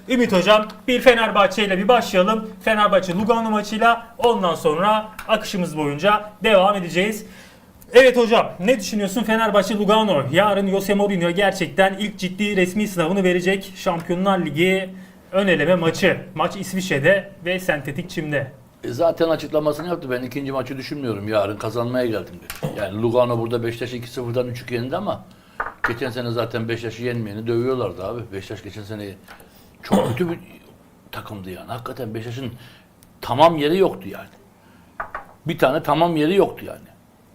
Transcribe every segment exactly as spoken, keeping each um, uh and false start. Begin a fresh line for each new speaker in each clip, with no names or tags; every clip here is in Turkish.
Ümit Hocam, bir Fenerbahçe ile bir başlayalım. Fenerbahçe Lugano maçıyla, ondan sonra akışımız boyunca devam edeceğiz. Evet hocam, ne düşünüyorsun Fenerbahçe Lugano? Yarın Jose Mourinho gerçekten ilk ciddi resmi sınavını verecek. Şampiyonlar Ligi ön eleme maçı. Maç İsviçre'de ve sentetik çimde.
E zaten açıklamasını yaptı. Ben ikinci maçı düşünmüyorum. Yarın kazanmaya geldim dedi. Yani Lugano burada Beşiktaş'ı iki sıfırdan üç iki yendi ama geçen sene zaten Beşiktaş'ı yenmeyeni dövüyorlardı abi. Beşiktaş geçen sene çok kötü bir takımdı yani. Hakikaten Beşiktaş'ın tamam yeri yoktu yani. Bir tane tamam yeri yoktu yani.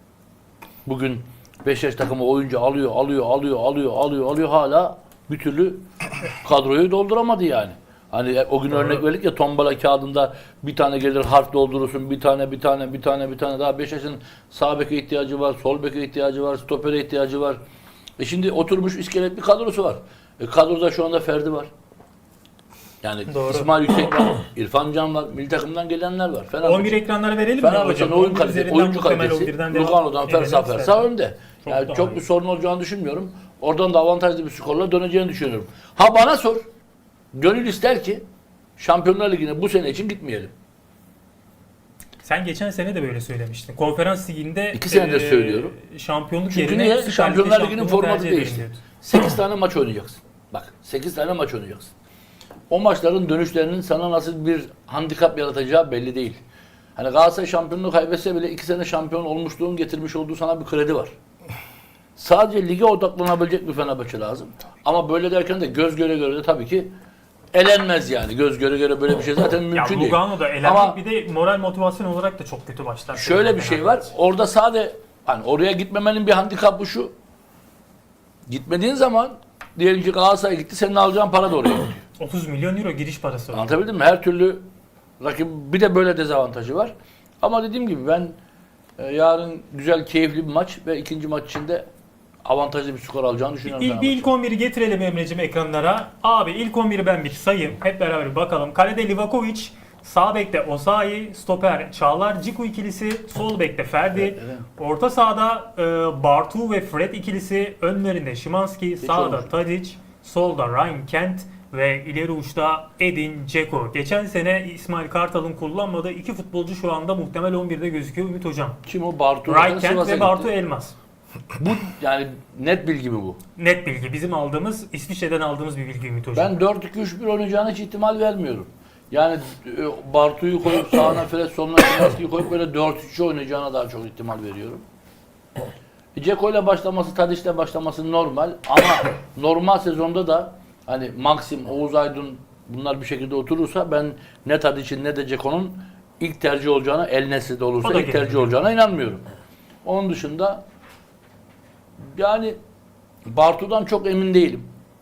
Bugün Beşiktaş takımı oyuncu alıyor, alıyor, alıyor, alıyor, alıyor, alıyor hala bir türlü kadroyu dolduramadı yani. Hani o gün örnek verdik ya, tombala kağıdında bir tane gelir harf doldurursun, bir tane, bir tane, bir tane, bir tane daha. Beşiktaş'ın sağ beke ihtiyacı var, sol beke ihtiyacı var, stopere ihtiyacı var. E şimdi oturmuş iskelet bir kadrosu var. E kadroda şu anda Ferdi var. Yani
Doğru.
İsmail Yüksek var, İrfan Can var, milli takımdan gelenler var. Fenerbahçe,
on bir ekranlara verelim mi
Fenerbahçe'nin
hocam?
oyun kalitesi, oyuncu kalitesi Lugano'dan fersa fersa önde.
Çok
Yani
daha
çok
iyi.
bir sorun olacağını düşünmüyorum. Oradan da avantajlı bir skorla döneceğini düşünüyorum. Ha bana sor. Gönül ister ki Şampiyonlar Ligi'ne bu sene için gitmeyelim.
Sen geçen sene de böyle söylemiştin. Konferans Ligi'nde
İki senedir
eee,
söylüyorum.
şampiyonluk
Çünkü
yerine
niye?
Süper Lig'de
Şampiyonlar Ligi'nin
şampiyonluğu
formatı
tercih ederim
değişti.
diyordu.
sekiz tane maç oynayacaksın. Bak sekiz tane maç oynayacaksın. O maçların dönüşlerinin sana nasıl bir handikap yaratacağı belli değil. Hani Galatasaray şampiyonluğu kaybetse bile iki sene şampiyon olmuşluğun getirmiş olduğu sana bir kredi var. Sadece lige odaklanabilecek bir Fenerbahçe lazım. Ama böyle derken de göz göre göre de tabii ki elenmez yani. Göz göre göre böyle bir şey zaten
Ya
mümkün değil.
Lugano'da elenmek
Ama
bir de moral motivasyon olarak da çok kötü başlar.
şöyle bir şey var. Orada sade hani oraya gitmemenin bir handikapı şu. Gitmediğin zaman diyelim ki Galatasaray gitti, senin alacağın para da oraya gidiyor.
otuz milyon euro giriş parası var.
Anlatabildim mi? Her türlü rakip, bir de böyle dezavantajı var. Ama dediğim gibi ben e, yarın güzel, keyifli bir maç ve ikinci maç içinde avantajlı bir skor alacağını düşünüyorum.
İlk, bir ilk on biri getirelim Emre'cim ekranlara. Abi ilk on biri ben bir sayayım. Hep beraber bir bakalım. Kalede Livakovic, sağ bekte Osayi, stoper Çağlar Ciku ikilisi, sol bekte Ferdi,
Evet, evet.
orta sahada e, Bartu ve Fred ikilisi, önlerinde Szymanski, sağda
olmuş.
Tadic, solda Ryan Kent ve ileri uçta Edin Dzeko. Geçen sene İsmail Kartal'ın kullanmadığı iki futbolcu şu anda muhtemel on birde gözüküyor Ümit Hocam.
Kim o? Bartu.
Ryan Kent
Sivas'a
ve Bartu
gitti.
Elmas.
Bu yani net bilgi mi bu?
Net bilgi. Bizim aldığımız, İsviçre'den aldığımız bir bilgi Ümit Hocam.
Ben dört iki üç bir oynayacağına hiç ihtimal vermiyorum. Yani e, Bartu'yu koyup sağına Fred, soluna Szymanski'yi koyup böyle dört üç oynayacağına daha çok ihtimal veriyorum. Dzeko ile başlaması, Tadic'le başlaması normal ama normal sezonda da hani Maxim, Oğuz Aydın bunlar bir şekilde oturursa ben ne Tadic'in ne de Dzeko'nun ilk tercih olacağına, El Nesri'de
O
olursa
da
ilk tercih
gelebilir.
olacağına inanmıyorum. Onun dışında yani Bartu'dan çok emin değilim.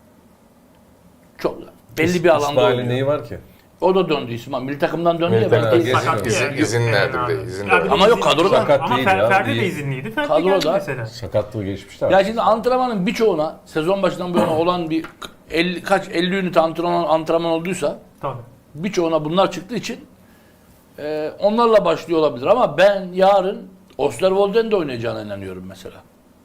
Çok belli bir alanda
İsmail'in
oynuyor.
neyi var ki?
O da döndü İsmail. Milli takımdan döndü ya
Milli
belki.
takım.
Sakat
İzin-
yani.
izin nerede
Yani
bir de,
abi.
izin
Ya
de
bir
var.
Ama yok,
izin-
kadroda.
Sakat
Ama
değil
Fer-
ya,
Ferdi de
değil.
izinliydi. Ferdi
Kadroda.
geldi mesela.
Sakatlığı geçmişler.
Ya şimdi antrenmanın birçoğuna sezon başından bu yana olan bir elli, kaç elli ünite antrenman, antrenman olduysa
Tabii.
birçoğuna bunlar çıktığı için e, onlarla başlıyor olabilir ama ben yarın Osterwolde'nin de oynayacağına inanıyorum mesela.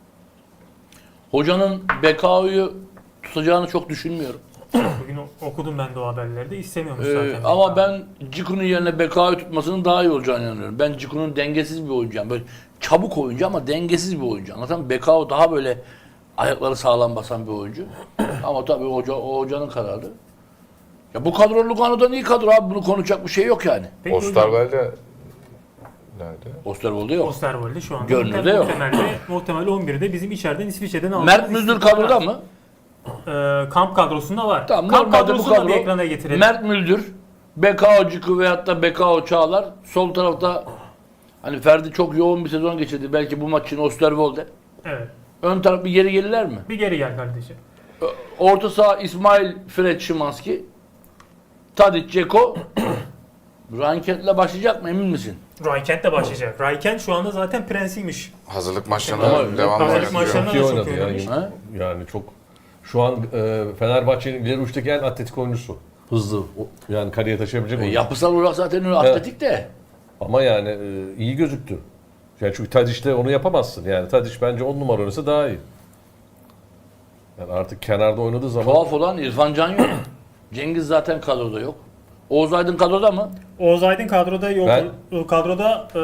Hocanın Bekao'yu tutacağını çok düşünmüyorum.
Bugün o- okudum ben de o haberleri de istemiyormuş
Ee,
zaten.
ama ben Ciku'nun yerine Bekao'yu tutmasının daha iyi olacağını inanıyorum. Ben Ciku'nun dengesiz bir oyuncu. Yani böyle çabuk oyuncu ama dengesiz bir oyuncu. Anladın mı? Bekao daha böyle ayakları sağlam basan bir oyuncu. Ama tabii hoca, o hocanın kararı. Ya bu kadro Lugano'dan iyi kadro abi. Bunu konuşacak bir şey yok yani.
Peki hocam,
Osterwolde nerede?
Osterwolde yok.
Osterwolde şu anda
Görünürde yok.
muhtemelde, muhtemel on birde bizim içeriden İsviçre'den aldığımız
Mert Müldür kadroda mı?
Ee, kamp kadrosunda var.
Tamam,
kamp
normalde bu
kadrosunu da
kadro
bir ekrana getirelim.
Mert Müldür, Bekao Ciku veyahut da Bekao Çağlar. Sol tarafta hani Ferdi çok yoğun bir sezon geçirdi. Belki bu maç için Osterwolde.
Evet.
Ön taraf bir geri gelirler mi?
Bir geri gel kardeşim.
Orta saha İsmail, Fred, Szymanski, Tadic, Dzeko. Ranket'le başlayacak mı emin misin?
Raykent de başlayacak. Raykent şu anda zaten prensiymiş.
Hazırlık maçlarına
Ama
devamlı
hazırlık
oynatıyor.
maçlarına-
Çok iyi
da çok
oynadı
iyi
ya.
oynamış.
Ha?
Yani çok şu an e, Fenerbahçe'nin ileri uçtaki en atletik oyuncusu.
Hızlı.
O- Yani kaleye taşıyabilecek
E,
oyuncu.
yapısal olarak zaten öyle atletik de.
Ama yani e, iyi gözüktü. Yani çünkü Tadic'le onu yapamazsın. Yani Tadic bence on numara oynasa daha iyi. Yani artık kenarda oynadığı zaman
Tuhaf olan İrfan Can yok. Cengiz zaten kadroda yok. Oğuz Aydın kadroda mı?
Oğuz Aydın kadroda yok.
Ben-
Kadroda eee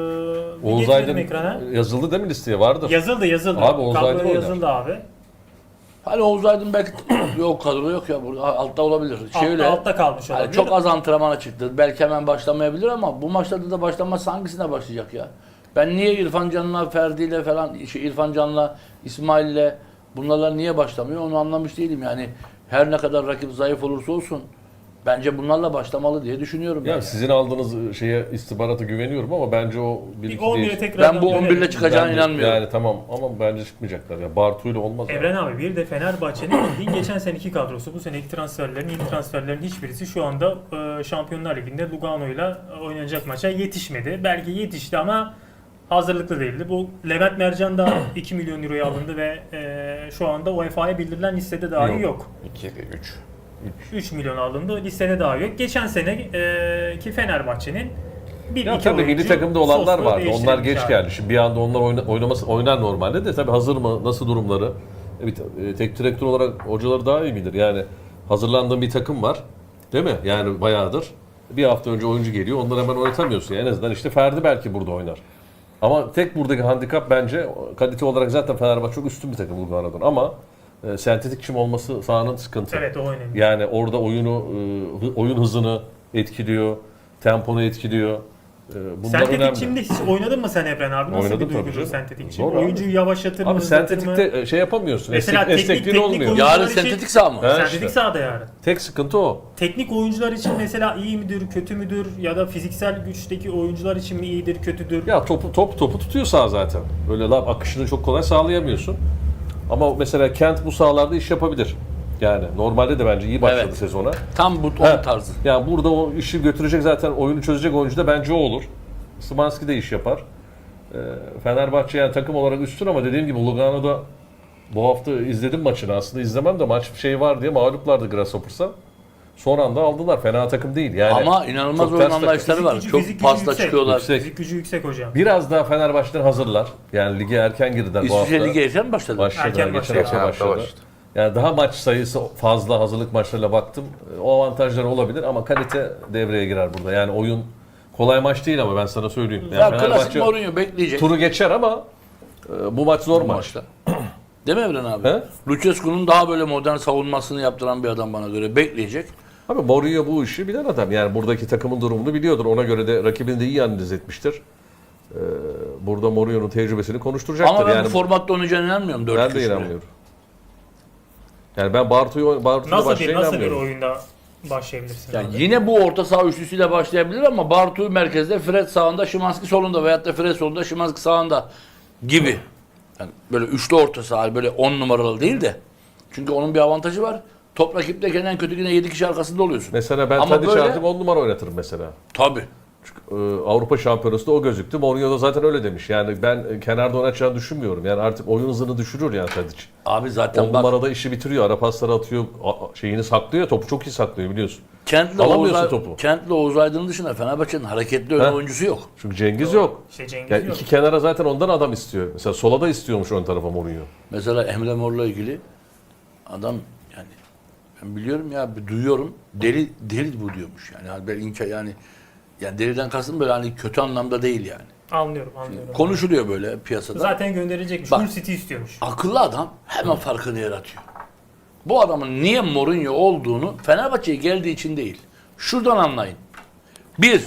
bir
Oğuz
getirelim
Aydın
ekrana.
yazıldı değil mi listeye? Vardır.
Yazıldı yazıldı.
Abi Oğuz
Kadroya
Aydın oynar.
yazıldı abi.
Hani Oğuz Aydın belki yok kadroda yok ya burada altta olabilir.
Altta,
Şöyle,
altta kalmış
hani
olabilir.
çok az antrenmana çıktı. Belki hemen başlamayabilir ama bu maçlarda da başlanmazsa hangisine başlayacak ya? Ben niye İrfan Can'la, Ferdi'yle falan, şey İrfan Can'la, İsmail'le bunlarla niye başlamıyor onu anlamış değilim. Yani her ne kadar rakip zayıf olursa olsun bence bunlarla başlamalı diye düşünüyorum.
Ya
ben.
sizin aldığınız şeye istihbarata güveniyorum ama bence o bir
Bir
iki
on bire
değiş-
tekrar
Ben bu on birle çıkacağına
Bence-
inanmıyorum.
Yani tamam ama bence çıkmayacaklar ya. Bartu'yla olmaz.
Evren abi bir de Fenerbahçe'nin bildiğin geçen seneki kadrosu. Bu seneki transferlerin, yeni transferlerin hiçbirisi şu anda e, Şampiyonlar Ligi'nde Lugano'yla oynanacak maça yetişmedi. Belki yetişti ama hazırlıklı değildi. Bu Levent Mercan da iki milyon euroya alındı ve e, şu anda U E F A'ya bildirilen listede dahi yok.
Yok.
iki, üç.
üç milyon alındı. Listede dahi yok. Geçen seneki Fenerbahçe'nin bir
Ya
iki
tabii milli
oyuncu
takımda olanlar
soslu
vardı. Onlar
değiştirilmiş
geç
abi.
geldi. Şimdi bir anda onlar oyna, oynaması oynar normalde de tabii hazır mı? Nasıl durumları? Evet, e, tek direktör olarak hocaları daha iyi bilir. Yani hazırlandığın bir takım var. Değil mi? Yani bayağıdır. Bir hafta önce oyuncu geliyor. Onları hemen oynatamıyorsun. Yani en azından işte Ferdi belki burada oynar. Ama tek buradaki handikap bence kalite olarak zaten Fenerbahçe çok üstün bir takım Lugano'dan ama e, sentetik çim olması sahanın sıkıntı.
Evet o önemli.
Yani orada oyunu e, hı- oyun hızını etkiliyor, temponu etkiliyor. E, Bunlar
Sentetik
önemli.
çimde hiç oynadın mı sen Evren abi? Nasıl
Oynadım
bir
tabii
duygudur
canım.
sentetik çim?
Zor abi.
Oyuncuyu yavaşlatır mı?
Abi
hızlatır mı?
sentetikte e, şey yapamıyorsun.
Mesela
Esnek,
teknik-
esnekliğin
teknik
olmuyor.
oyun-
Yarın
Oyuncular için-
sentetik saha mı?
He.
Sentetik
işte.
sahada yani.
Tek sıkıntı o.
Teknik oyuncular için mesela iyi midir, kötü müdür ya da fiziksel güçteki oyuncular için mi iyidir, kötüdür?
Ya topu top topu tutuyor sağ zaten. Böyle laf akışını çok kolay sağlayamıyorsun. Ama mesela Kent bu sahalarda iş yapabilir. Yani normalde de bence iyi başladı
Evet.
sezona.
Tam bu
He.
onun tarzı.
Yani burada o işi götürecek zaten oyunu çözecek oyuncu da bence o olur. Szymanski de iş yapar. Ee, Fenerbahçe yani takım olarak üstün ama dediğim gibi Lugano'da bu hafta izledim maçını aslında izlemem de maç bir şey var diye mağluplardı Grasshoppers'a. Son anda aldılar. Fena takım değil. Yani
Ama inanılmaz
çok
oyun
ters takım.
anlayışları var.
Fizik gücü-
Çok
fizik gücü
pasla
yüksek.
çıkıyorlar.
Yüksek.
Fizik gücü yüksek hocam.
Biraz daha Fenerbahçe'den hazırlar. Yani lige erken girdiler bu hafta.
İsviçre Ligi erken mi başladı?
Başladı.
Erken
geçen
başladı.
hafta
Geçen hafta
başladı.
başladı.
Yani daha maç sayısı fazla hazırlık maçlarıyla baktım. O avantajları olabilir ama kalite devreye girer burada. Yani oyun kolay maç değil ama ben sana söyleyeyim. Yani
Ya klasik
Fenerbahçe
Mourinho bekleyecek
turu geçer ama e, bu maç zor
bu
maç.
maçta. Değil mi Evren abi?
He?
Lucescu'nun daha böyle modern savunmasını yaptıran bir adam bana göre bekleyecek.
Abi Mourinho bu işi bilen adam. Yani buradaki takımın durumunu biliyordur. Ona göre de rakibini de iyi analiz etmiştir. Ee, burada Mourinho'nun tecrübesini konuşturacaktır.
Ama ben
yani
bu formatta oynayacağına inanmıyorum. dört
ben
üç
de
üç
inanmıyorum. Yani ben Bartu'yu Bartu'yla
Nasıl bir
başlayacağına
nasıl bir
inanmıyorum.
oyunda başlayabilirsin?
Yani
abi?
yine bu orta saha üçlüsüyle başlayabilir ama Bartu merkezde, Fred sağında, Szymanski solunda veyahut da Fred solunda, Szymanski sağında gibi. Yani böyle üçlü orta saha, böyle on numaralı değil de. Çünkü onun bir avantajı var. Top rakipteyken en kötü yine yedi kişi arkasında oluyorsun.
Mesela ben
Ama
Tadiç'i
böyle-
artık on numara oynatırım mesela.
Tabii.
Ee, Avrupa Şampiyonası'nda o gözüktü. Mourinho da zaten öyle demiş. Yani ben e, kenarda oynatacağını düşünmüyorum. Yani artık oyun hızını düşürür yani Tadiç.
Abi zaten
on
bak
numarada işi bitiriyor. Ara pasları atıyor. a- a- Şeyini saklıyor. Topu çok iyi saklıyor biliyorsun.
Kent'le
Alamıyorsun
Oğuz,
topu.
Kent'le Oğuz Aydın dışında Fenerbahçe'nin hareketli ön
He.
oyuncusu yok.
Çünkü Cengiz yok.
İşte Cengiz
Yani
yok.
iki kenara zaten ondan adam istiyor. Mesela sola da istiyormuş ön tarafa Mourinho.
Mesela Emre Mor'la ilgili adam yani ben biliyorum ya bir duyuyorum deli deli bu diyormuş yani. Yani böyle inka yani yani deliden kastım böyle hani kötü anlamda değil yani.
Anlıyorum anlıyorum.
Konuşuluyor böyle piyasada.
Zaten gönderilecekmiş.
Bak.
Hull City istiyormuş.
Akıllı adam hemen farkını yaratıyor. Bu adamın niye Mourinho olduğunu Fenerbahçe'ye geldiği için değil. Şuradan anlayın. Bir,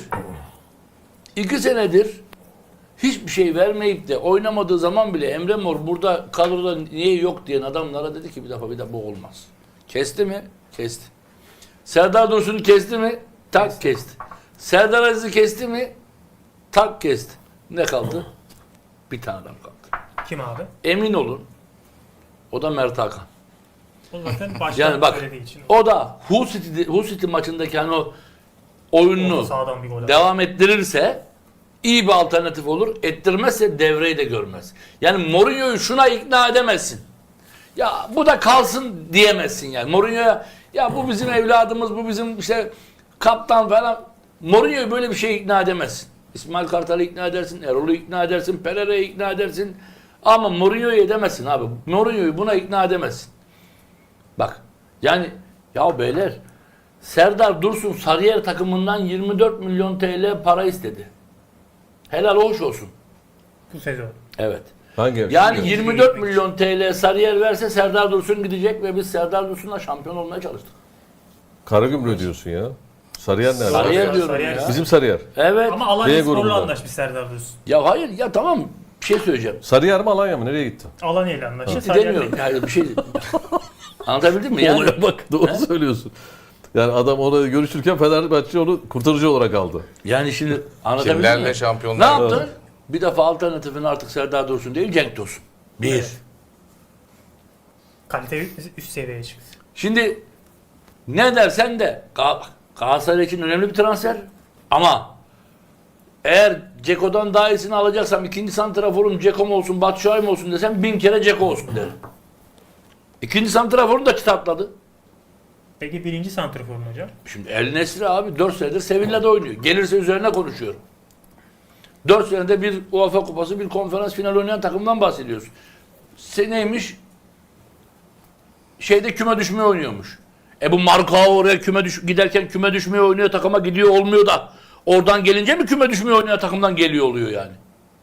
iki senedir hiçbir şey vermeyip de oynamadığı zaman bile Emre Mor burada kadroda niye yok diyen adamlara dedi ki bir defa bir de bu olmaz. Kesti mi? Kesti. Serdar Dursun'u kesti mi? Tak kesti. Serdar Aziz'i kesti mi? Tak kesti. Ne kaldı? Bir tane adam kaldı.
Kim abi?
Emin olun. O da Mert Hakan.
O zaten baştan
Yani bak
söylediği için.
o da Hull City, Hull City maçındaki hani o oyununu
Orta sahadan bir gol attı.
devam ettirirse iyi bir alternatif olur. Ettirmezse devreyi de görmez. Yani Mourinho'yu şuna ikna edemezsin. Ya bu da kalsın diyemezsin yani. Mourinho'ya ya bu bizim evladımız, bu bizim işte kaptan falan. Mourinho'yu böyle bir şeye ikna edemezsin. İsmail Kartal'ı ikna edersin, Erol'u ikna edersin, Pereira'yı ikna edersin. Ama Mourinho'yu edemezsin abi. Mourinho'yu buna ikna edemezsin. Bak yani ya beyler Serdar Dursun Sarıyer takımından yirmi dört milyon T L para istedi. Helal hoş olsun.
Bu sezon.
Evet.
Hangi
Yani yirmi dört milyon T L Sarıyer verse Serdar Dursun gidecek ve biz Serdar Dursun'la şampiyon olmaya çalıştık.
Karagümrük diyorsun ya. Sarıyer nerede?
Sarıyer diyorum
Sarıyer.
ya.
Bizim Sarıyer.
Evet.
Ama
B
Alanya Spor'la
grubundan.
anlaşmış Serdar Dursun.
Ya hayır ya tamam bir şey söyleyeceğim.
Sarıyer mi Alanya mı? Nereye gitti?
Alanya ile anlaştı.
Gitti
Sarıyer
demiyorum.
değil.
Yani bir şey anlatabildim mi? Yani
Olaya bak doğru söylüyorsun. Yani adam ona görüşürken Fenerbahçe onu kurtarıcı olarak aldı.
yani şimdi anlatabildim
Kimlerle
mi? Ne
şampiyonlar?
yaptın? Bir defa alternatifin artık Serdar Dursun değil Cenk Tosun. Bir.
Evet. Kalite üst seviyeye çıktı.
Şimdi ne dersen de Gal- Galatasaray için önemli bir transfer. Ama eğer Ceko'dan daha iyisini alacaksam ikinci santraforum Ceko mu olsun Batshuayi mi olsun desem bin kere Ceko olsun derim. İkinci santraforum da kitapladı.
Peki birinci santraforun hocam?
Şimdi El Nesri abi dört senedir Sevilla'da oynuyor. Gelirse üzerine konuşuyorum. dört senede bir UEFA Kupası, bir konferans finali oynayan takımdan bahsediyoruz. Se neymiş? Şeyde küme düşmeye oynuyormuş. E bu Markao oraya küme düş giderken küme düşmeye oynuyor takıma gidiyor olmuyor da oradan gelince mi küme düşmeye oynayan takımdan geliyor oluyor yani?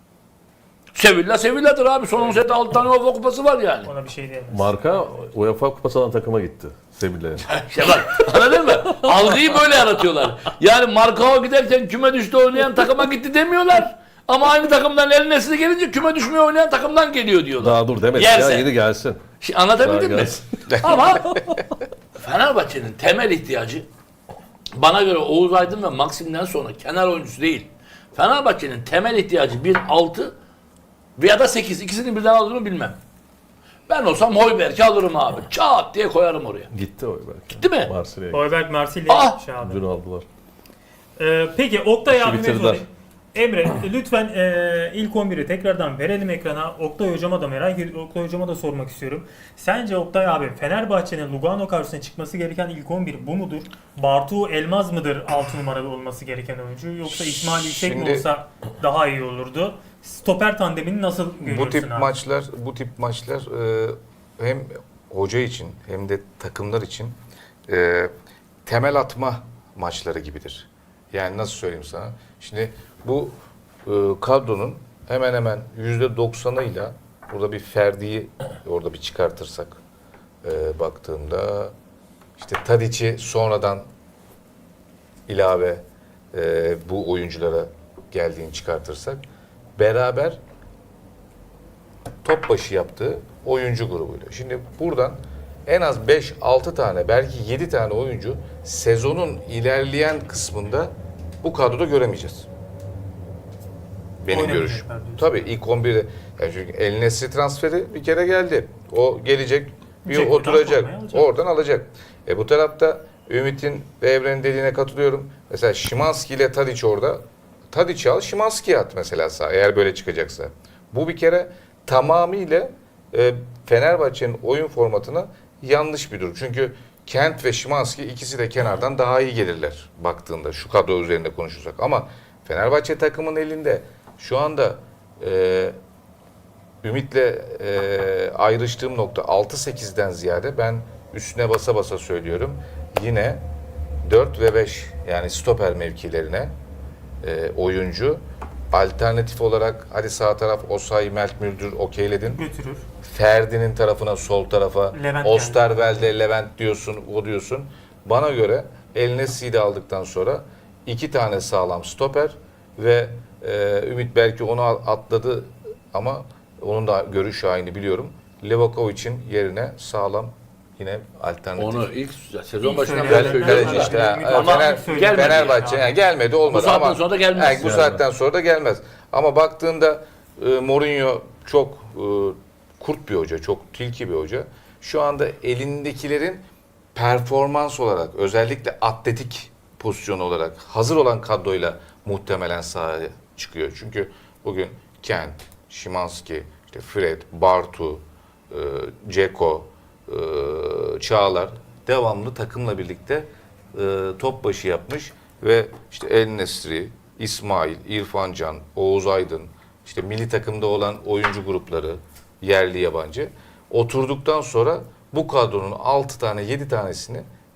Sevilla Sevilla'dır abi. Son on senede altı tane UEFA Kupası var yani.
Ona bir şey diyemez.
Marka UEFA Kupası alan takıma gitti. Sevilla'ya.
İşte bak anladın mı? Algıyı böyle yaratıyorlar. Yani Markao giderken küme düştü oynayan takıma gitti demiyorlar. Ama aynı takımdan El Nesri gelince küme düşmeye oynayan takımdan geliyor diyorlar.
Daha dur demedik
Yerse.
ya yeni gelsin.
Şimdi anlatabildim
Daha
mi?
gelsin.
Ama Fenerbahçe'nin temel ihtiyacı bana göre Oğuz Aydın ve Maksim'den sonra kenar oyuncusu değil. Fenerbahçe'nin temel ihtiyacı bir altı veya da sekiz. İkisini birden aldığını bilmem. Ben olsam Hoiberg'i alırım abi. Çat diye koyarım oraya.
Gitti o belki.
Gitti mi?
Marsilya'ya gitti.
Hoiberg Marsilya
Ah!
şey abi.
Dün aldılar.
Ee, peki Oktay
İşi
abime
bitirdiler.
sorayım. Emre lütfen e, ilk on biri tekrardan verelim ekrana. Oktay hocama da merak ediyorum. Oktay hocama da sormak istiyorum. Sence Oktay abi Fenerbahçe'nin Lugano karşısına çıkması gereken ilk on bir bu mudur? Bartu Elmaz mıdır altı numaralı olması gereken oyuncu? Yoksa İsmail Yüksek mi
Şimdi-
olsa daha iyi olurdu? Stoper tandemini nasıl görüyorsun
Bu tip
abi?
maçlar, bu tip maçlar e, hem hoca için hem de takımlar için e, temel atma maçları gibidir. Yani nasıl söyleyeyim sana? Şimdi bu e, kadronun hemen hemen yüzde doksanıyla burada bir Ferdi'yi orada bir çıkartırsak e, baktığımda işte Tadic'i sonradan ilave e, bu oyunculara geldiğini çıkartırsak beraber top başı yaptığı oyuncu grubuyla. Şimdi buradan en az beş altı tane belki yedi tane oyuncu sezonun ilerleyen kısmında bu kadroda göremeyeceğiz. Benim
Oynamayacaklar
görüşüm.
diyorsun.
Tabii ilk on birde yani çünkü El Nesri transferi bir kere geldi. O gelecek, bir
Ceko'dan
oturacak,
formayı alacak.
oradan alacak. E bu tarafta Ümit'in ve Evren'in dediğine katılıyorum. Mesela Szymański ile Tadic orada. Tadic'i al, Szymański'yi at mesela sağ, eğer böyle çıkacaksa. Bu bir kere tamamıyla e, Fenerbahçe'nin oyun formatına yanlış bir durum. Çünkü Kent ve Szymański ikisi de kenardan daha iyi gelirler baktığında şu kadro üzerinde konuşursak. Ama Fenerbahçe takımın elinde şu anda e, Ümit'le e, ayrıştığım nokta altı sekizden ziyade ben üstüne basa basa söylüyorum. Yine dört ve beş yani stoper mevkilerine e, oyuncu alternatif olarak hadi sağ taraf Osayi, Mert Müldür okeyledin.
Götürür.
Ferdi'nin tarafına, sol tarafa,
Levent
Osterwelde, Levent diyorsun, o diyorsun. Bana göre El Nesri'yi de aldıktan sonra iki tane sağlam stoper ve e, Ümit belki onu atladı ama onun da görüş aynı biliyorum. Levakovic'in yerine sağlam yine alternatif.
Onu ilk sezon
İlk
başından
söyleyenler-
beri
Kaleci
söylüyorum.
işte. ha.
Ümit
ama
Fener,
gelmedi
Fenerbahçe
yani.
yani gelmedi olmadı
Bu saatten
ama
sonra da gelmez.
yani bu
Yani.
saatten sonra da gelmez. Ama baktığında e, Mourinho çok e, kurt bir hoca, çok tilki bir hoca. Şu anda elindekilerin performans olarak özellikle atletik pozisyon olarak hazır olan kadroyla muhtemelen sahaya çıkıyor. Çünkü bugün Kent, Szymański, işte Fred, Bartu, e, Dzeko, e, Çağlar devamlı takımla birlikte e, top başı yapmış ve işte El Nesri, İsmail, İrfan Can, Oğuz Aydın, işte milli takımda olan oyuncu grupları, yerli yabancı oturduktan sonra bu kadronun altı tane yedi tanesini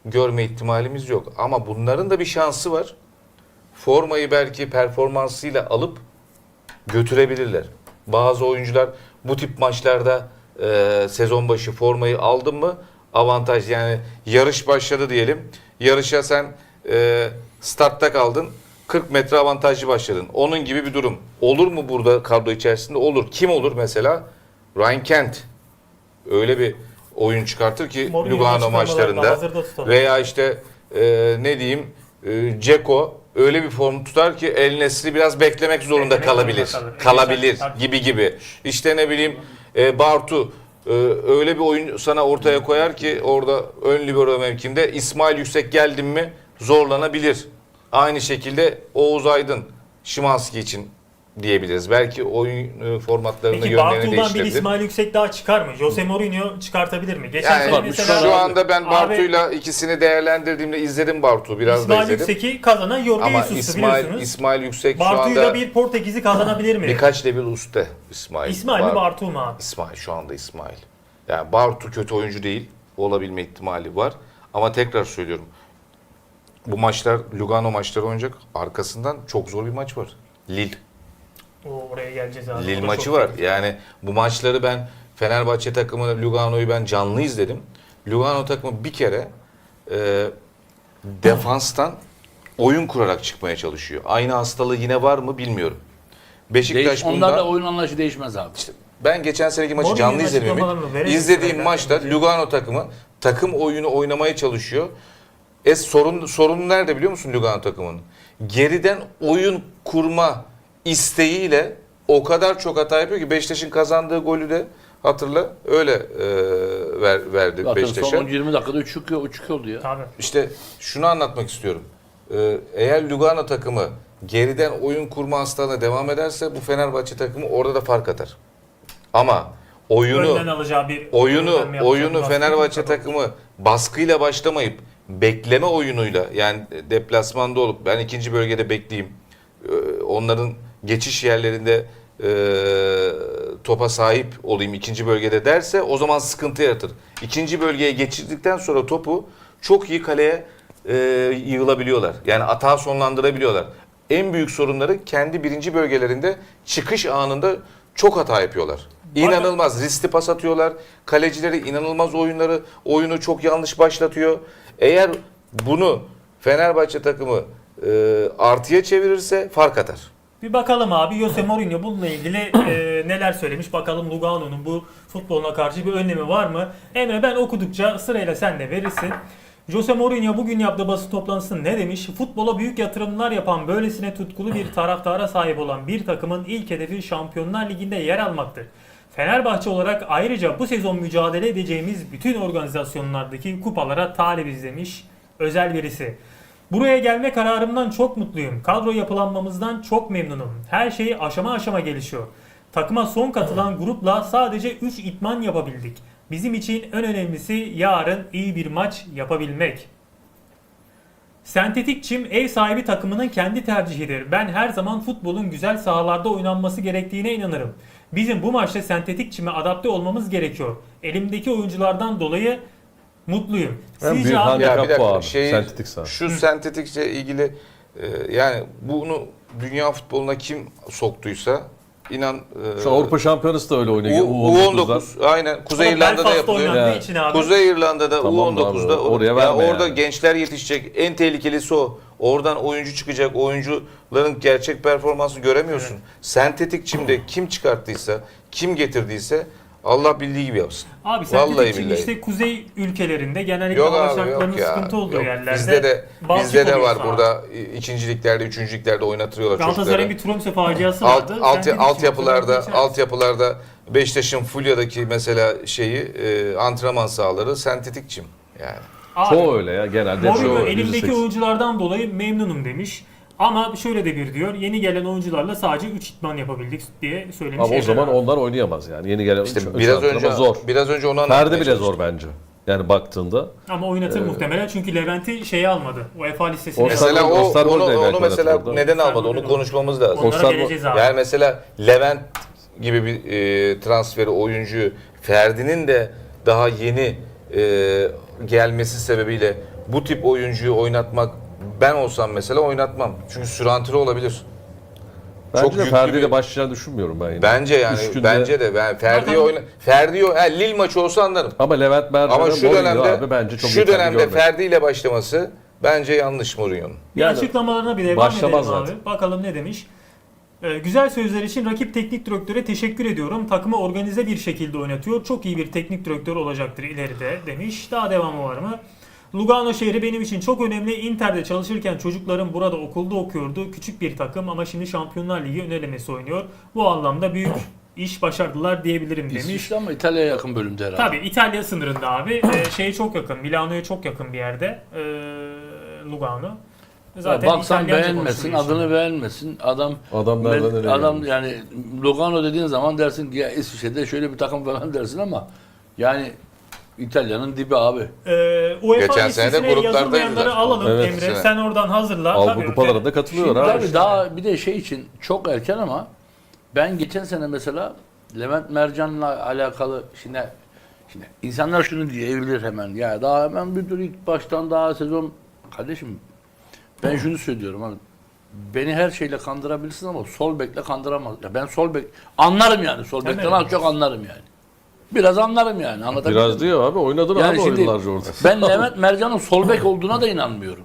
görme ihtimalimiz yok. Ama bunların da bir şansı var. Formayı belki performansıyla alıp götürebilirler. Bazı oyuncular bu tip maçlarda e, sezon başı formayı aldın mı avantaj, yani yarış başladı diyelim. Yarışa sen e, startta kaldın. kırk metre avantajlı başladın. Onun gibi bir durum. Olur mu burada kadro içerisinde? Olur. Kim olur mesela? Ryan Kent. Öyle bir oyun çıkartır ki
Mourinho'nun
Lugano
açıklamalarında
maçlarında.
hazırda tutalım.
Veya işte e, ne diyeyim e, Dzeko öyle bir form tutar ki El Nesri biraz beklemek zorunda
Beklemek
kalabilir.
zorunda kalır.
Kalabilir
Tabii.
gibi gibi. İşte ne bileyim e, Bartu e, öyle bir oyun sana ortaya koyar ki orada ön libero mevkinde İsmail Yüksek geldin mi zorlanabilir. Aynı şekilde Oğuz Aydın Szymański için diyebiliriz. Belki oyun e, formatlarını
Peki
yönlerini
Bartu'dan bir
değiştirebilir.
İsmail Yüksek daha çıkar mı? Jose Mourinho çıkartabilir mi? Geçen
Yani
sene
bak,
mesela
şu anda ben
Abi,
Bartu'yla ikisini değerlendirdiğimde izledim Bartu. Biraz da
İsmail
izledim.
Yüksek'i kazanan Jorge
Ama
Jesus'tu
İsmail,
biliyorsunuz.
İsmail Yüksek şu
Bartu'yu
anda
da bir Portekiz'i kazanabilir mi?
birkaç level üstte İsmail.
İsmail mi
Bar-
Bartu mu abi?
İsmail şu anda İsmail. Yani Bartu kötü oyuncu değil. Olabilme ihtimali var. Ama tekrar söylüyorum. Bu maçlar Lugano maçları oynayacak. Arkasından çok zor bir maç var. Lille.
O oraya geleceğiz abi. O
Lille
da
maçı
çok
var.
iyi.
Yani bu maçları ben Fenerbahçe takımı Lugano'yu ben canlı izledim. Lugano takımı bir kere e, defanstan oyun kurarak çıkmaya çalışıyor. Aynı hastalığı yine var mı bilmiyorum. Beşiktaş
Değiş,
bundan...
onlarla oyun anlayışı değişmez abi.
Ben geçen seneki maçı
Mourinho'nun
canlı izledim. Ümit.
açıklamalarını verelim.
İzlediğim
Evet,
maçta
evet.
Lugano takımı takım oyunu oynamaya çalışıyor. E sorun sorun nerede biliyor musun Lugano takımının? Geriden oyun kurma isteğiyle o kadar çok hata yapıyor ki Beşiktaş'ın kazandığı golü de hatırla öyle e, ver, verdi
Zaten
Beşiktaş'a.
son yirmi dakikada üç üç oldu ya.
Tabii.
İşte şunu anlatmak istiyorum. Ee, eğer Lugano takımı geriden oyun kurma hastalığına devam ederse bu Fenerbahçe takımı orada da fark atar. Ama oyunu
Önden alacağı bir
oyunu
önlem yapacağı bir
oyunu
baskı
Fenerbahçe
yok.
takımı baskıyla başlamayıp bekleme oyunuyla, yani deplasmanda olup ben ikinci bölgede bekleyeyim. Ee, onların geçiş yerlerinde e, topa sahip olayım ikinci bölgede derse o zaman sıkıntı yaratır. İkinci bölgeye geçirdikten sonra topu çok iyi kaleye e, yığılabiliyorlar. Yani atağı sonlandırabiliyorlar. En büyük sorunları kendi birinci bölgelerinde çıkış anında çok hata yapıyorlar. İnanılmaz riskli pas atıyorlar. Kalecileri inanılmaz oyunları, oyunu çok yanlış başlatıyor. Eğer bunu Fenerbahçe takımı e, artıya çevirirse fark atar.
Bir bakalım abi Jose Mourinho bununla ilgili e, neler söylemiş. Bakalım Lugano'nun bu futboluna karşı bir önlemi var mı? Emre ben okudukça sırayla sen de verirsin. Jose Mourinho bugün yaptığı basın toplantısında ne demiş? Futbola büyük yatırımlar yapan böylesine tutkulu bir taraftara sahip olan bir takımın ilk hedefi Şampiyonlar Ligi'nde yer almaktır. Fenerbahçe olarak ayrıca bu sezon mücadele edeceğimiz bütün organizasyonlardaki kupalara talibiz demiş özel birisi. Buraya gelme kararımdan çok mutluyum. Kadro yapılanmamızdan çok memnunum. Her şey aşama aşama gelişiyor. Takıma son katılan grupla sadece üç idman yapabildik. Bizim için en önemlisi yarın iyi bir maç yapabilmek. Sentetik çim ev sahibi takımının kendi tercihidir. Ben her zaman futbolun güzel sahalarda oynanması gerektiğine inanırım. Bizim bu maçta sentetik çime adapte olmamız gerekiyor. Elimdeki oyunculardan dolayı mutluyum.
En
Sizce
büyük
abi,
handikap
Ya bir dakika,
bu abi.
şey-
Sentetik saha.
Şu sentetikle ilgili e, yani bunu dünya futboluna kim soktuysa inan e,
Şu Avrupa Şampiyonası da öyle oynuyor.
U- U on dokuz aynen Kuzey
Ama
İrlanda'da
Belfast'ta
yapılıyor.
oynandığı
Ya.
için abi.
Kuzey İrlanda'da
Tamam
U on dokuzda
abi, oraya
ya
verme
orada
yani.
gençler yetişecek. En tehlikelisi o. Oradan oyuncu çıkacak. Oyuncuların gerçek performansını göremiyorsun. Sentetik çimde kim çıkarttıysa, kim getirdiyse Allah bildiği gibi yapsın.
Abi
Vallahi
sentetik çim
billahi.
işte kuzey ülkelerinde genellikle
Yok
hava
abi
şartlarının
yok ya.
sıkıntı olduğu
Yok.
yerlerde.
Bizde de
balçık
bizde de
oluyor
var
saha.
burada ikinciliklerde, üçüncülüklerde oynatıyorlar
Galatasaray'ın
çocukları.
bir Tromsø faciası
Alt,
vardı.
alt,
Sentetik çim
altyapılarda
geçer.
altyapılarda Beşiktaş'ın Fulya'daki mesela şeyi e, antrenman sahaları sentetik çim yani.
Abi,
Çoğu öyle ya genelde.
Mourinho
çoğu
elimdeki
yüzde seksen.
oyunculardan dolayı memnunum demiş. Ama şöyle de bir diyor. Yeni gelen oyuncularla sadece üç idman yapabildik diye söylemiş.
Ama o zaman
Emre abi.
onlar oynayamaz yani. Yeni gelen
İşte
üç-
biraz
üç antrenman
önce
zor.
biraz önce onu anlatmaya
Ferdi bile
çalıştım.
zor bence. Yani baktığında.
Ama oynatır muhtemelen çünkü Levent'i şeye almadı. UEFA listesine.
O
Mesela
Osterwolde-
o
Osterwolde
onu,
de
onu
belki
mesela
oynatırdı.
neden almadı? Onu
Osterwolde
konuşmamız lazım.
Onlara
Osterwolde-
geleceğiz abi.
Yani mesela Levent gibi bir e, transferi oyuncuyu Ferdi'nin de daha yeni e, gelmesi sebebiyle bu tip oyuncuyu oynatmak, ben olsam mesela oynatmam. Çünkü sürantili olabilir.
Bence
Çok
de
yüklü
Ferdi
bir-
ile başlayacağını düşünmüyorum ben yine.
Bence yani
Üç günde-
bence de ben Ferdi'yi
Zaten-
oyna Ferdi'yi ha, Lille maçı olsa anlarım.
Ama Levent Mercan'ın
Ama şu
Mourinho
dönemde
abi bence çok
şu
yeterli
dönemde
görmedim.
Ferdi ile başlaması bence yanlış Mourinho'nun.
Bir
Yani
açıklamalarına bir devam
başlamaz
edelim abi.
zaten.
Bakalım ne demiş. Ee, güzel sözler için rakip teknik direktöre teşekkür ediyorum. Takımı organize bir şekilde oynatıyor. Çok iyi bir teknik direktör olacaktır ileride demiş. Daha devamı var mı? Lugano şehri benim için çok önemli. Inter'de çalışırken çocuklarım burada okulda okuyordu. Küçük bir takım ama şimdi Şampiyonlar Ligi ön elemesi oynuyor. Bu anlamda büyük iş başardılar diyebilirim demiş.
İsviçre ama İtalya'ya yakın bölümde herhalde.
Tabii İtalya sınırında abi. Ee, şeye çok yakın. Milano'ya çok yakın bir yerde. Ee, Lugano.
Zaten baksan
İtalyanca
beğenmesin,
konuşuyor
adını beğenmesin. Adam
Adam nereden
ben-
nereye
adam
gelmiş?
yani Lugano dediğin zaman dersin ki ya İsviçre'de şöyle bir takım falan dersin ama yani İtalya'nın dibi abi.
Ee, UEFA
Geçen sene de
listesine
gruplardaydılar.
yazılmayanları alalım
Evet.
Emre.
Sene.
Sen oradan hazırla.
Avrupa
Tabii,
kupalarında katılıyorlar
Şimdi
abi.
tabii daha bir de şey için çok erken ama ben geçen sene mesela Levent Mercan'la alakalı şimdi şimdi insanlar şunu diyebilir hemen ya daha hemen bir dur ilk baştan daha sezon kardeşim ben şunu söylüyorum abi beni her şeyle kandırabilirsin ama sol bekle kandıramaz. Ya ben sol bek anlarım yani sol
Hemen.
bekten az çok anlarım yani. Biraz anlarım yani anlatabildim
Biraz
mi?
diyor abi oynadın
Yani
abi
şimdi
oyunlarca orada.
ben Levent Mercan'ın sol bek olduğuna da inanmıyorum.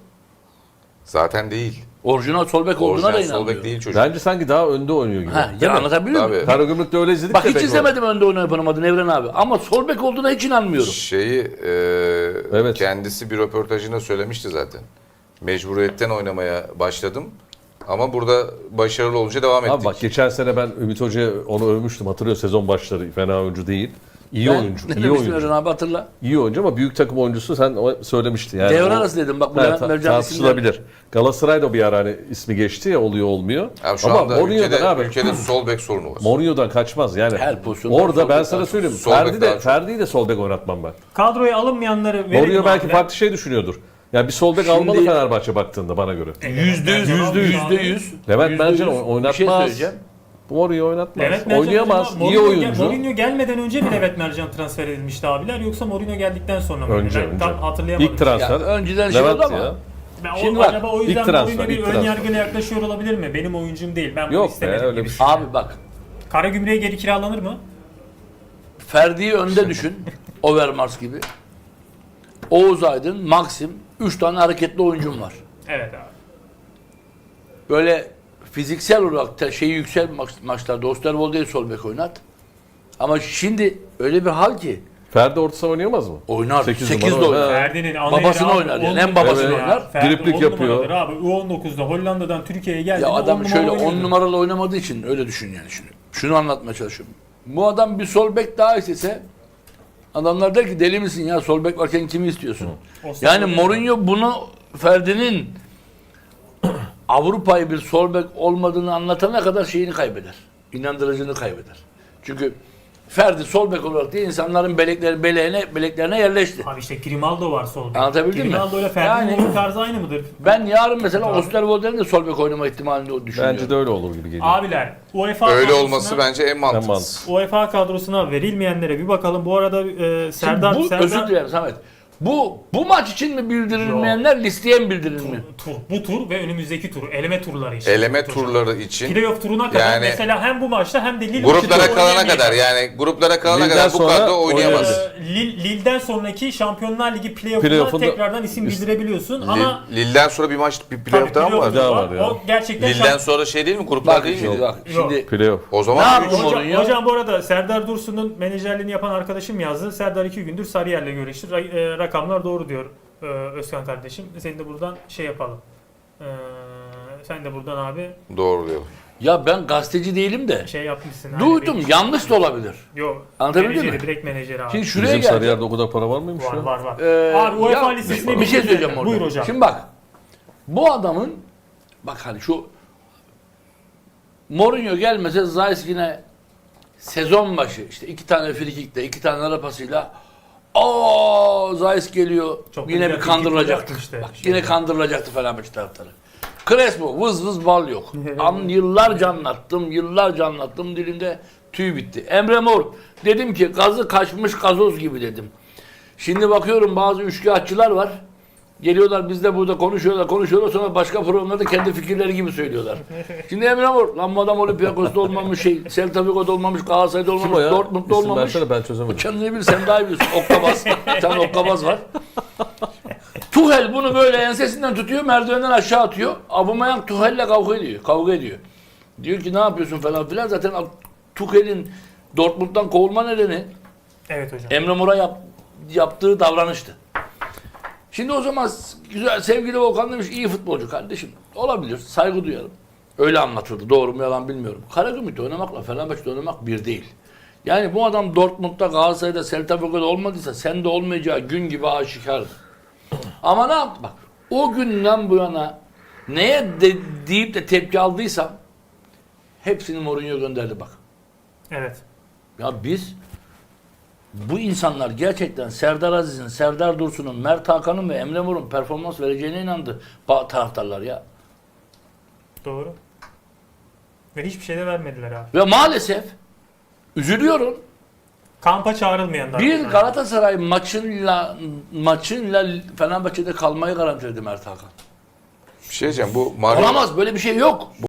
Zaten değil.
Orijinal sol bek olduğuna da
Orijinal
inanmıyorum.
sol bek değil çocuk.
Bence sanki daha önde oynuyor gibi.
Ha,
Değil
ya
mi?
anlatabiliyor muyum?
Tabii.
Karagümrük'te öyle izledik
Bak
de
hiç
pek
izlemedim önde oynayamadığını Evren abi. Ama sol bek olduğuna hiç inanmıyorum.
Şeyi e,
Evet.
kendisi bir röportajında söylemişti zaten. Mecburiyetten oynamaya başladım. Ama burada başarılı olunca devam ettik.
Abi bak geçen sene ben Ümit Hoca'ya onu övmüştüm. Hatırlıyor sezon başları fena oyuncu değil. İyi
Ben-
oyuncu.
Ne
iyi
demiştin Evren
oyuncu.
abi hatırla.
İyi oyuncu ama büyük takım oyuncusu sen o söylemiştin yani.
Devre
O-
arası dedim bak bu
Ha,
Levent
ta-
Mercan isimleri.
tartışılabilir. Galatasaray'da bir ara hani ismi geçti ya oluyor olmuyor.
Abi şu
ama
anda
Mourinho'dan
ülkede,
abi.
ülkede sol bek sorunu var.
Mourinho'dan kaçmaz yani.
Her pozisyonda sol
Orada ben
bek
sana
daha
söyleyeyim.
çok. Sol bek
Ferdi
daha
de
çok.
Ferdi'yi de sol bek oynatmam ben.
Kadroya alınmayanları verelim.
Mourinho belki
abi.
farklı şey düşünüyordur. Yani bir sol bek
Şimdi-
almalı Fenerbahçe baktığında bana göre.
Yüzde yüz, yüzde yüz, yüzde yüz.
Levent
yüzde
Mercan
yüz.
oynatmaz.
Bir şey söyleyeceğim.
Mourinho oynatmaz.
Levent Mercan
Oynayamaz.
acaba
İyi
Mourinho gel-
oyuncu.
Mourinho gelmeden önce mi Levent Mercan transfer edilmişti abiler yoksa Mourinho geldikten sonra mı?
Önce,
Ben
önce.
tam hatırlayamadım.
İlk transfer.
Ya önceden şey
Levent
oldu ama.
ya.
Ben o-
Şimdi bak,
acaba o yüzden
ilk transfer,
Mourinho bir
ilk
ön
transfer.
yargıyla yaklaşıyor olabilir mi? Benim oyuncum değil. Ben bunu
Yok be,
istemedim
öyle
gibi.
bir şey.
Abi bak
Karagümrük'e geri kiralanır mı?
Ferdi'yi önde düşün. Overmars gibi. Oğuz Aydın, Maxim. Üç tane hareketli oyuncum var.
Evet abi.
Böyle fiziksel olarak da şeyi yüksel maç, maçlarda Osterwolde'yi sol bek oynat. Ama şimdi öyle bir hal ki
Ferdi orta saha oynayamaz mı?
oynar.
Sekiz
sekiz de
numara
oynar.
oynar.
Ferdi'nin ana
Babasını
yeri abi,
oynar
on
yani, en
numara
babasını
ya.
oynar.
Ferdi
Driplik
on
yapıyor.
numaradır abi. U on dokuzda Hollanda'dan Türkiye'ye geldi.
Ya adam şöyle
on
on numaralı oynamadığı için öyle düşün yani şimdi. Şunu anlatmaya çalışıyorum. Bu adam bir sol bek daha istese adamlar der ki deli misin ya sol bek varken kimi istiyorsun? Yani Mourinho bunu Ferdi'nin Avrupa'yı bir sol bek olmadığını anlatana kadar şeyini kaybeder. İnandırıcını kaybeder. Çünkü Ferdi sol bek olarak değil insanların belekleri beleğine beleklerine yerleşti.
Abi işte Grimaldo var sol bek.
Anlatabildim mi?
Grimaldo ile Ferdi'nin
Yani-
oyun tarzı aynı mıdır?
Ben yarın mesela
Abi.
Osterwolde'nin de sol bek oynama ihtimalini düşünüyorum.
Bence de öyle olur gibi geliyor.
Abiler UEFA
Öyle
kadrosuna-
olması bence en
En
mantıklısı.
mantıklı.
UEFA kadrosuna verilmeyenlere bir bakalım. Bu arada e,
Şimdi
Serdar
bu,
Serdar
özür dilerim Samet. Bu bu maç için mi bildirilmeyenler listeye mi bildirilmiyor?
tur, bu tur ve önümüzdeki tur, eleme turları için.
Eleme turları için
Playoff turuna kadar
Yani-
mesela hem bu maçta hem de Lille
gruplara
maçı
kalana
oynayamayacak.
kadar yani gruplara kalana
Lille'den
kadar bu
sonra
kadro oynayamaz.
oynayabilir.
Ee, Lille- Lille'den sonraki Şampiyonlar Ligi playoff'una
Playoff'unda-
tekrardan isim bildirebiliyorsun ama
Lille- Lille'den sonra bir maç bir playoff daha mı
playoff
var?
Daha var ya.
O gerçekten
Lille'den
şamp-
sonra şey değil mi? Gruplar
Bak
değil
şimdi
mi?
bak
Yok.
şimdi
Playoff.
O
Ne
zaman
yapıyor?
Hocam,
Mourinho?
hocam bu arada Serdar Dursun'un menajerliğini yapan arkadaşım yazdı. Serdar iki gündür Sarıyer'le görüştü. Ra- e, rakamlar doğru diyor e, Özkan kardeşim. Senin de buradan şey yapalım. E, sen de buradan abi
doğru diyor.
Ya ben gazeteci değilim de
şey yapmışsın. hani
duydum
bir-
yanlış da olabilir.
Yok.
Anlatabildim
menajeri,
mi?
direkt menajeri abi.
Şimdi şuraya
Bizim
geleceğim.
Sarıyer'de o kadar para var mıymış
var
ya?
var var.
Ee,
Abi UEFA
ya,
listesine
bir şey söyleyeceğim orada.
Buyur hocam.
Şimdi bak bu adamın bak hani şu Mourinho gelmese Zayis yine sezon başı işte iki tane frikikle iki tane ara pasıyla o Zayis geliyor
Çok
yine
güzel
bir kandırılacaktı.
frikik işte.
Bak, yine kandırılacaktı Fenerbahçe taraftarı. Crespo vız vız bal yok. An yıllarca anlattım, yıllarca anlattım dilimde tüy bitti. Emre Mor dedim ki gazı kaçmış gazoz gibi dedim. Şimdi bakıyorum bazı üçkağıtçılar var. Geliyorlar biz de burada konuşuyorlar konuşuyorlar sonra başka programlarda kendi fikirleri gibi söylüyorlar. Şimdi Emre Mor, lan bu adam Olympiakos'ta olmamış şey, Celta Vigo'da olmamış, Galatasaray'da
Kim o
olmamış,
ya?
Dortmund'da
İsim
olmamış.
versene, ben çözemedim.
Kendini bil sen daha iyi biliyorsun. Okkabaz. Bir tane okkabaz var. Tuhel bunu böyle ensesinden tutuyor, merdivenden aşağı atıyor. Aubameyang Tuhel'le kavga ediyor. Kavga ediyor. Diyor ki ne yapıyorsun falan filan. Zaten Tuhel'in Dortmund'dan kovulma nedeni
Evet hocam.
Emre Mor'a yap, yaptığı davranıştı. Şimdi o zaman güzel sevgili Volkan demiş iyi futbolcu kardeşim. Olabilir. Saygı duyarım. Öyle anlatıldı. Doğru mu yalan bilmiyorum. Karagümrük'te oynamakla Fenerbahçe'de oynamak bir değil. Yani bu adam Dortmund'da, Galatasaray'da, Celta Vigo'da olmadıysa sende olmayacağı gün gibi aşikardı. Ama ne yaptı? Bak o günden bu yana neye de, deyip de tepki aldıysam hepsini Mourinho gönderdi bak.
Evet.
Ya biz bu insanlar gerçekten Serdar Aziz'in, Serdar Dursun'un, Mert Hakan'ın ve Emre Mor'un performans vereceğine inandı ba- taraftarlar ya.
Doğru. Ve hiçbir şey de vermediler abi.
Ve maalesef üzülüyorum.
Kampa çağrılmayan da.
Bir Galatasaray maçınla maçınla Fenerbahçe'de kalmayı garantiledi Mert Hakan.
Bir şey diyeceğim bu Mario,
Olamaz böyle bir şey yok.